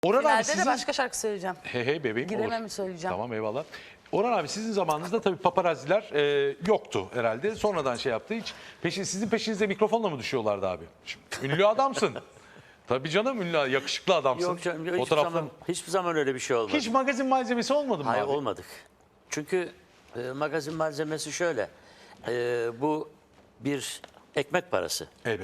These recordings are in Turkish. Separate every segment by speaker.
Speaker 1: Orhan abi
Speaker 2: Finalde
Speaker 1: sizin...
Speaker 2: de başka şarkı söyleyeceğim.
Speaker 1: Hey hey bebeğim
Speaker 2: Gidemem
Speaker 1: olur.
Speaker 2: söyleyeceğim.
Speaker 1: Tamam eyvallah. Orhan abi sizin zamanınızda tabii paparazziler yoktu herhalde. Sonradan şey yaptı. Hiç sizin peşinize mikrofonla mı düşüyorlardı abi? Şimdi, ünlü adamsın. Tabii canım ünlü, yakışıklı adamsın.
Speaker 3: Yok canım,
Speaker 1: Fotoğraflar...
Speaker 3: hiçbir zaman öyle bir şey olmadı.
Speaker 1: Hiç magazin malzemesi olmadı mı
Speaker 3: Hayır,
Speaker 1: abi?
Speaker 3: olmadık. Çünkü magazin malzemesi şöyle. Bu bir ekmek parası.
Speaker 1: Evet.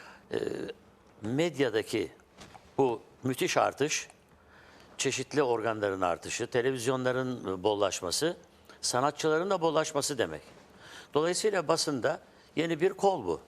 Speaker 3: Medyadaki bu müthiş artış, çeşitli organların artışı, televizyonların bollaşması, sanatçıların da bollaşması demek. Dolayısıyla basında yeni bir kol bu.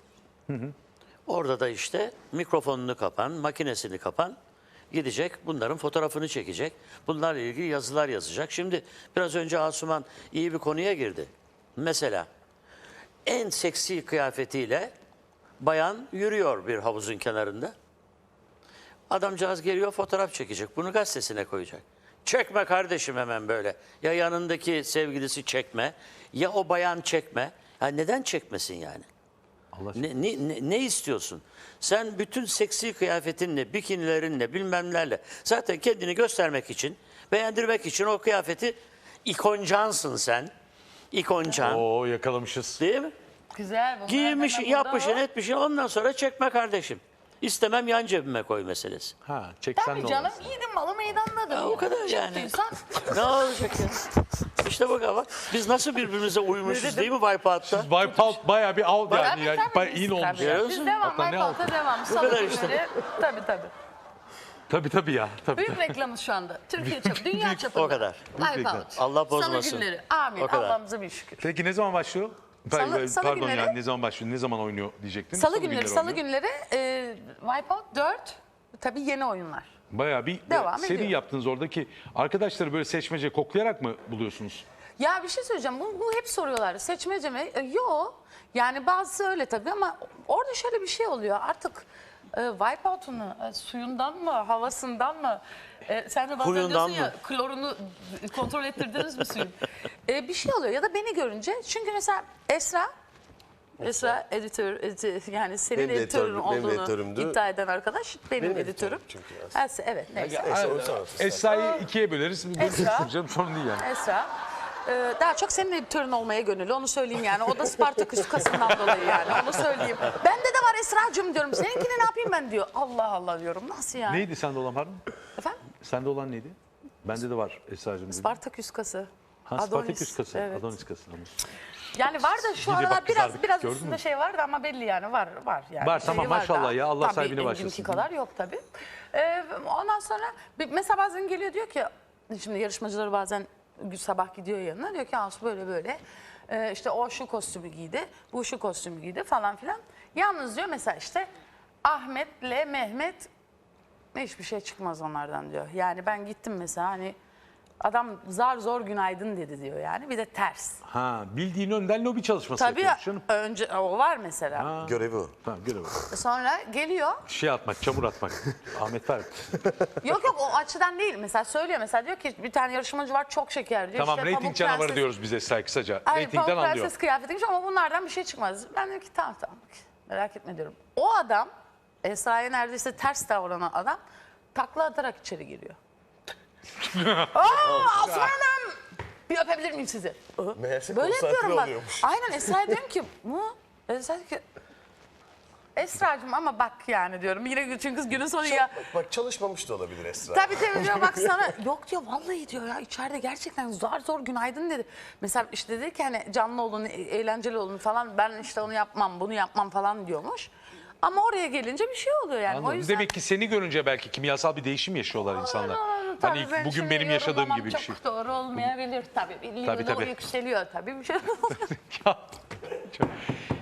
Speaker 3: Orada da işte mikrofonunu kapan, makinesini kapan gidecek, bunların fotoğrafını çekecek, bunlarla ilgili yazılar yazacak. Şimdi biraz önce Asuman iyi bir konuya girdi. Mesela en seksi kıyafetiyle bayan yürüyor bir havuzun kenarında. Adamcağız geliyor, fotoğraf çekecek. Bunu gazetesine koyacak. Çekme kardeşim hemen böyle. Ya yanındaki sevgilisi çekme, ya o bayan çekme. Ya neden çekmesin yani?
Speaker 1: Allah
Speaker 3: Ne istiyorsun? Sen bütün seksi kıyafetinle, bikinilerinle, bilmemlerle zaten kendini göstermek için, beğendirmek için o kıyafeti ikoncansın sen. İkoncan.
Speaker 1: Oo yakalamışız.
Speaker 3: Değil mi?
Speaker 2: Güzel. bunlar
Speaker 3: Giymişsin,
Speaker 2: hemen burada
Speaker 3: yapmışsın,
Speaker 2: var.
Speaker 3: etmişsin. Ondan sonra çekme kardeşim. İstemem, yan cebime koy meselesi.
Speaker 1: Ha çeksen
Speaker 2: Tabii
Speaker 1: ne
Speaker 2: canım,
Speaker 1: olur?
Speaker 2: yiğidim malı meydandadır.
Speaker 3: O kadar yani.
Speaker 2: Çektiysen
Speaker 3: Ne olacak ya? İşte bak biz nasıl birbirimize uymuşuz değil mi Wipeout'ta?
Speaker 1: Wipeout bayağı bir out yani.
Speaker 2: Tabii,
Speaker 1: yani
Speaker 2: tabii,
Speaker 1: bayağı
Speaker 2: biz
Speaker 1: iyi olmuş.
Speaker 2: tabii.
Speaker 3: Görüyor
Speaker 2: Biz
Speaker 3: musun?
Speaker 2: devam,
Speaker 1: Hatta ne
Speaker 2: Wipeout'a
Speaker 1: altı?
Speaker 2: devam.
Speaker 3: Bu kadar
Speaker 2: Salı
Speaker 3: işte.
Speaker 2: günleri. Tabii.
Speaker 1: Tabii ya. Tabii.
Speaker 2: Büyük reklamız şu anda. Türkiye çapı, dünya çapında.
Speaker 3: O kadar.
Speaker 2: Wipeout.
Speaker 3: Allah bozmasın.
Speaker 2: Salı günleri. Amin.
Speaker 3: O kadar.
Speaker 2: Allah'ımıza bir şükür.
Speaker 1: Peki ne zaman başlıyor?
Speaker 2: Salı
Speaker 1: Pardon
Speaker 2: günleri-
Speaker 1: yani ne zaman başlıyor? Ne zaman oynuyor diyecektim.
Speaker 2: Salı günleri
Speaker 1: oynuyor.
Speaker 2: Wipeout 4. Tabii yeni oyunlar.
Speaker 1: Bayağı bir
Speaker 2: Devam
Speaker 1: seri
Speaker 2: ediyor.
Speaker 1: yaptınız oradaki arkadaşları böyle seçmece koklayarak mı buluyorsunuz?
Speaker 2: Ya bir şey söyleyeceğim. Bunu hep soruyorlar. Seçmece mi? Yok. Yani bazısı öyle tabii ama orada şöyle bir şey oluyor. Artık Wipeout'un suyundan mı, havasından mı? Sen de bazen
Speaker 3: Huyundan
Speaker 2: diyorsun
Speaker 3: mı?
Speaker 2: ya klorunu kontrol ettirdiniz mi suyun? Bir şey oluyor ya da beni görünce. Çünkü mesela Esra editör, yani senin
Speaker 4: Benim de
Speaker 2: editörün
Speaker 4: editörüm, benim de
Speaker 2: olduğunu
Speaker 4: editörümdü.
Speaker 2: iddia eden arkadaş benim
Speaker 4: Benim
Speaker 2: editörüm.
Speaker 4: editörüm çünkü aslında.
Speaker 2: Evet neyse.
Speaker 1: Esra'yı ikiye böleriz.
Speaker 2: Esra.
Speaker 1: Canım sorun değil yani.
Speaker 2: Esra. Daha çok senin editörün olmaya gönüllü, onu söyleyeyim yani. O da Spartaküs kasından dolayı yani, onu söyleyeyim. Bende de var Esra'cığım diyorum, seninkini ne yapayım ben diyor. Allah Allah diyorum, nasıl yani?
Speaker 1: Neydi sende olan pardon?
Speaker 2: Efendim?
Speaker 1: Sende olan neydi? Bende de var Esra'cığım dedi.
Speaker 2: Spartaküs kası.
Speaker 1: Ha Spartaküs kası.
Speaker 2: Evet.
Speaker 1: Adonis kası. Tamam.
Speaker 2: Yani var da şu
Speaker 1: Bir de
Speaker 2: aralar
Speaker 1: bak kızardık,
Speaker 2: biraz
Speaker 1: gördün
Speaker 2: üstünde
Speaker 1: mü?
Speaker 2: şey vardı ama belli yani var yani.
Speaker 1: Var,
Speaker 2: Şeyi
Speaker 1: tamam,
Speaker 2: var
Speaker 1: maşallah
Speaker 2: daha.
Speaker 1: ya, Allah
Speaker 2: Tabii,
Speaker 1: sahibine
Speaker 2: benimki
Speaker 1: başlasın.
Speaker 2: kadar yok tabii. Ondan sonra mesela bazen geliyor diyor ki, şimdi yarışmacıları bazen sabah gidiyor yanına, diyor ki Asu böyle işte o şu kostümü giydi, bu şu kostümü giydi falan filan. Yalnız diyor mesela işte Ahmet'le Mehmet hiçbir şey çıkmaz onlardan diyor. Yani ben gittim mesela, hani adam zar zor günaydın dedi diyor yani, bir de ters.
Speaker 1: Ha bildiğin önden lobi çalışması
Speaker 2: Tabii
Speaker 1: yapıyormuş canım.
Speaker 2: önce o var mesela.
Speaker 4: Görevi o.
Speaker 1: Tamam göre bak.
Speaker 2: Sonra geliyor.
Speaker 1: Şey atmak, çamur atmak. Ahmet var.
Speaker 2: Yok o açıdan değil. Mesela söylüyor, mesela diyor ki bir tane yarışmacı var çok şeker diyor.
Speaker 1: Tamam
Speaker 2: İşte
Speaker 1: reyting
Speaker 2: Pamuk
Speaker 1: canavarı
Speaker 2: Prenses-
Speaker 1: diyoruz biz Esra kısaca.
Speaker 2: Ay,
Speaker 1: Reytingden
Speaker 2: Pamuk
Speaker 1: anlıyor.
Speaker 2: Prenses kıyafetiymiş ama bunlardan bir şey çıkmaz. Ben dedim ki tamam merak etme diyorum. O adam Esra'ya neredeyse ters davranan adam takla atarak içeri giriyor. Asuman Hanım bir öpebilir miyim sizi?
Speaker 4: Meğerse
Speaker 2: Böyle
Speaker 4: konsantre
Speaker 2: yapıyorum bak.
Speaker 4: oluyormuş.
Speaker 2: Aynen Esra'ya diyorum ki bu Esra diyor ki Esra'cığım ama bak yani diyorum. Yine çünkü günün sonu ya.
Speaker 4: Bak çalışmamış da olabilir Esra.
Speaker 2: Tabii diyor bak sana. Yok diyor vallahi diyor ya içeride gerçekten zor günaydın dedi. Mesela işte dedi ki hani canlı olun, eğlenceli olun falan. Ben işte onu yapmam, bunu yapmam falan diyormuş. Ama oraya gelince bir şey oluyor yani. O
Speaker 1: Anladım.
Speaker 2: yüzden...
Speaker 1: Demek ki seni görünce belki kimyasal bir değişim yaşıyorlar insanlar.
Speaker 2: Tabii
Speaker 1: Hani
Speaker 2: ben
Speaker 1: bugün
Speaker 2: şimdi
Speaker 1: benim yaşadığım
Speaker 2: yorumlamam
Speaker 1: gibi bir
Speaker 2: çok
Speaker 1: şey.
Speaker 2: doğru olmayabilir tabii.
Speaker 1: Tabii,
Speaker 2: Doğru
Speaker 1: tabii.
Speaker 2: yükseliyor tabii bir şey.
Speaker 1: Ya, çok-